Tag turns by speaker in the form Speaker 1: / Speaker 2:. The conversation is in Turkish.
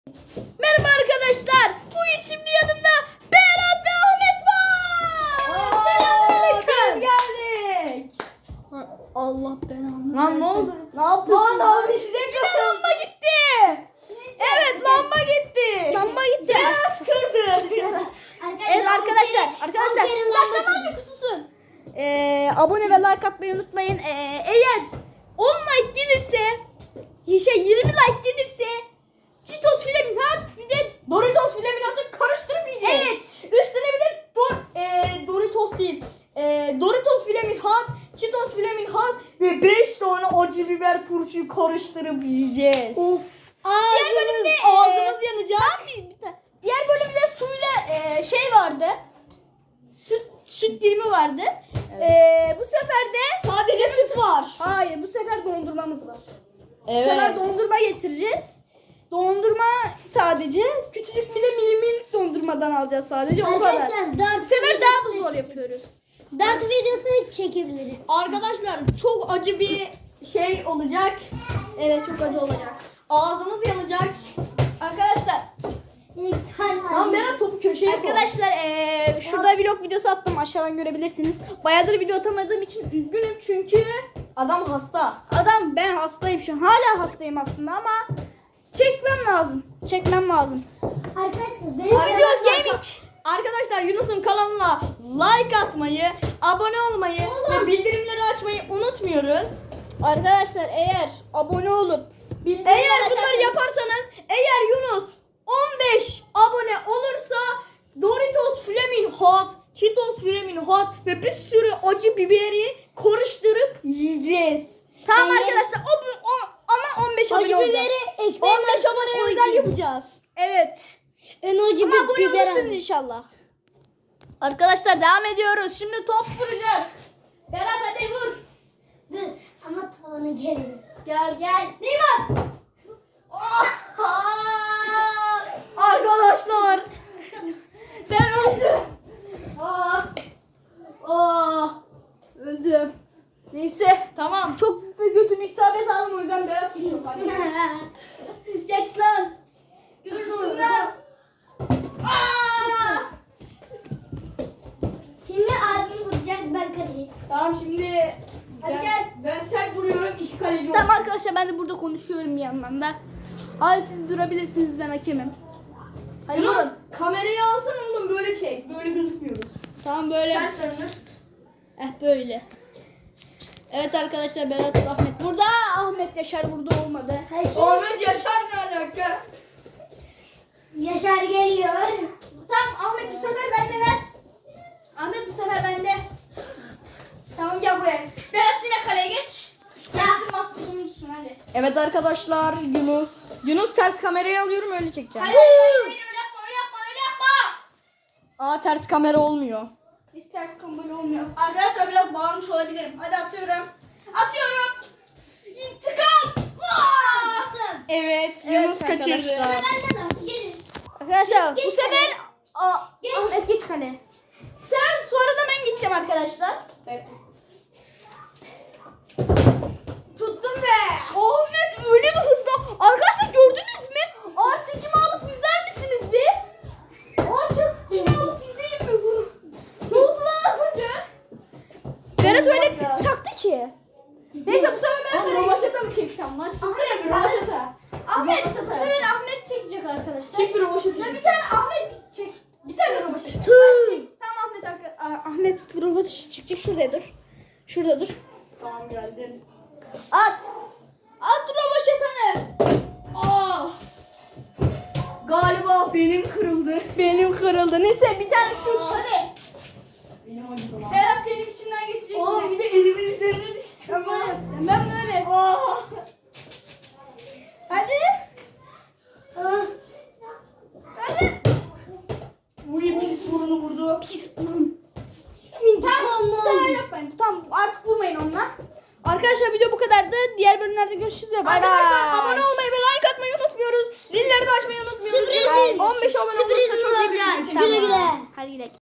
Speaker 1: Merhaba arkadaşlar. Bugün şimdi yanımda Berat ve Ahmet var.
Speaker 2: Selamünaleyküm. Geldik.
Speaker 1: Allah belanı.
Speaker 2: Lan ne oldu?
Speaker 1: Ne yapıyorsun?
Speaker 2: Lan abi size
Speaker 1: Yine lamba gitti. Evet lamba gitti. Lamba gitti.
Speaker 2: Berat kırdı.
Speaker 1: Evet arkadaşlar. Bir dakika lan bir kutusun. Abone ve like atmayı unutmayın. Eğer 10 like gelirse 20 like gelirse Cheetos Flaminat bir de
Speaker 2: Doritos Flaminat'ı karıştırıp yiyeceğiz.
Speaker 1: evet.
Speaker 2: Üstüne bir de Doritos değil. Doritos Flaminat, Cheetos Flaminat ve 5 tane acı biber turşuyu karıştırıp yiyeceğiz.
Speaker 1: Of. Diğer bölümde
Speaker 2: ağzımız yanacak.
Speaker 1: Diğer bölümde suyla şey vardı. Süt dilimi vardı. Bu sefer de
Speaker 2: Sadece süt var.
Speaker 1: hayır bu sefer dondurmamız var. Bu
Speaker 2: Evet.
Speaker 1: sefer dondurma getireceğiz. Dondurma sadece küçücük bir de minik dondurmadan alacağız sadece o kadar.
Speaker 3: Arkadaşlar dart
Speaker 1: Bu sefer daha mı zor yapıyoruz?
Speaker 3: Dart videosunu çekebiliriz.
Speaker 2: Arkadaşlar çok acı bir şey olacak.
Speaker 1: Evet çok acı olacak.
Speaker 2: Ağzımız yanacak.
Speaker 1: Arkadaşlar
Speaker 2: Lan Berat topu köşeye koy.
Speaker 1: Arkadaşlar şurada vlog videosu attım aşağıdan görebilirsiniz. Bayağıdır video atamadığım için üzgünüm çünkü
Speaker 2: Adam hasta.
Speaker 1: ben hastayım şu an. Hala hastayım aslında ama çekmem lazım.
Speaker 3: Arkadaşlar
Speaker 1: Bu
Speaker 3: benim
Speaker 1: video gaming.
Speaker 2: Arkadaşlar Yunus'un kanalına like atmayı, abone olmayı ve bildirimleri açmayı unutmuyoruz.
Speaker 1: Arkadaşlar eğer abone olup
Speaker 2: Eğer bunları yaparsanız, eğer Yunus 15 abone olursa Doritos Flamin Hot, Cheetos Flamin Hot ve bir sürü acı biberi karıştırıp yiyeceğiz.
Speaker 1: Tamam
Speaker 3: Eğer-
Speaker 1: arkadaşlar ama 15 abone
Speaker 3: acı
Speaker 1: olacağız.
Speaker 3: biberi ekmeğin
Speaker 2: 15
Speaker 3: arasına
Speaker 2: abone özel
Speaker 3: koyacağız.
Speaker 2: yapacağız.
Speaker 1: Evet.
Speaker 3: En acı
Speaker 1: Ama abone
Speaker 3: biber
Speaker 1: olursunuz
Speaker 3: alın.
Speaker 1: inşallah. Arkadaşlar devam ediyoruz. Şimdi top vuracak. Berat hadi vur.
Speaker 3: Dur ama tavanı gelin.
Speaker 1: Gel.
Speaker 3: Neymar.
Speaker 2: Arkadaşlar
Speaker 1: Ben öldüm. Öldüm. Neyse tamam. Çok bir götüm isabet aldım o yüzden Berat geçiyor. Hadi. Geç lan. Görürsün lan.
Speaker 3: Şimdi abim vuracak ben kaleyim.
Speaker 2: tamam şimdi
Speaker 1: Hadi
Speaker 2: ben,
Speaker 1: gel.
Speaker 2: ben sert vuruyorum, iki kaleci
Speaker 1: Tamam
Speaker 2: olsun.
Speaker 1: arkadaşlar ben de burada konuşuyorum bir yandan da. Hadi siz durabilirsiniz ben hakemim. Hadi
Speaker 2: Yunus
Speaker 1: vurun.
Speaker 2: kamerayı alsana oğlum, böyle çek, böyle gözükmüyoruz.
Speaker 1: Tamam böyle.
Speaker 2: Ters döndür.
Speaker 1: Böyle. Evet arkadaşlar Berat Ahmet burada. Ahmet Yaşar burada olmadı.
Speaker 3: Hayır,
Speaker 2: Ahmet Yaşar ne alaka?
Speaker 3: Yaşar geliyor.
Speaker 1: Tamam Ahmet bu sefer bende ver. Ahmet bu sefer bende. Tamam gel buraya. Berat yine kaleye geç.
Speaker 3: Ya.
Speaker 1: Sen maskotunu tutsun hadi.
Speaker 2: Evet arkadaşlar Yunus ters kamerayı alıyorum, öyle çekeceğim.
Speaker 1: Hayır öyle yapma.
Speaker 2: Aa, ters kamera olmuyor.
Speaker 1: Hiç ters kamera olmuyor. Arkadaşlar biraz bağırmış olabilirim. Hadi atıyorum. İntikam.
Speaker 3: Attım.
Speaker 2: Evet,
Speaker 1: Evet
Speaker 2: Yunus kaçırdı.
Speaker 1: arkadaşlar.
Speaker 3: Benden al. Gelin.
Speaker 1: Arkadaşlar
Speaker 3: Geç
Speaker 1: bu sefer
Speaker 3: Geç.
Speaker 1: Ahmet geç kale. Sen sonra da ben gideceğim arkadaşlar.
Speaker 2: Evet. Tuttum be.
Speaker 1: Ahmet öyle bir hızla. Arkadaşlar gördünüz mü? Ağaç çekimi alıp izler misiniz bir? Ağaç çekimi alıp izleyin mi bunu? Ne oldu lan az önce? Berat öyle bir çaktı ki. Neyse bu sefer ben
Speaker 2: Ben
Speaker 1: kaleye
Speaker 2: rovaşata mı çeksem lan? Çeksene bir rovaşata.
Speaker 1: Ahmet bu sefer Ahmet çekecek arkadaşlar.
Speaker 2: Çek bir rovaşata.
Speaker 1: Ya bir tane Ahmet çek.
Speaker 2: Bir tane rovaşata.
Speaker 1: Tamam Ahmet Ahmet prova çıkacak şurada dur. Şurada dur.
Speaker 2: Tamam, geldim.
Speaker 1: At rovaşatanı.
Speaker 2: Ah. Galiba benim kırıldı.
Speaker 1: Benim kırıldı. Neyse bir tane şut hadi.
Speaker 2: Benim acıdı lan.
Speaker 1: Berat benim içimden geçecek.
Speaker 2: Oğlum bir de elimin üzerine düştü.
Speaker 1: Ben böyle yapacağım. Ben böyle.
Speaker 2: Ah.
Speaker 1: Hadi.
Speaker 3: Ah.
Speaker 1: Hadi.
Speaker 2: Uy, pis burnu vurdu.
Speaker 1: Pis burun.
Speaker 3: İntikam
Speaker 1: Sen
Speaker 3: aldım.
Speaker 1: yapmayın. Tamam artık vurmayın onunla. Arkadaşlar video bu kadardı. Diğer bölümlerde görüşürüz. Bay bay.
Speaker 2: Arkadaşlar abone olmayı ve like atmayı unutmuyoruz. Zilleri de açmayı unutmuyoruz.
Speaker 3: Sürpriz.
Speaker 2: 15 abone
Speaker 3: Sürpriz
Speaker 2: olursa çok iyi bir
Speaker 3: olacak.
Speaker 2: video çekeceğim.
Speaker 3: Güle güle.
Speaker 1: Hadi gidelim.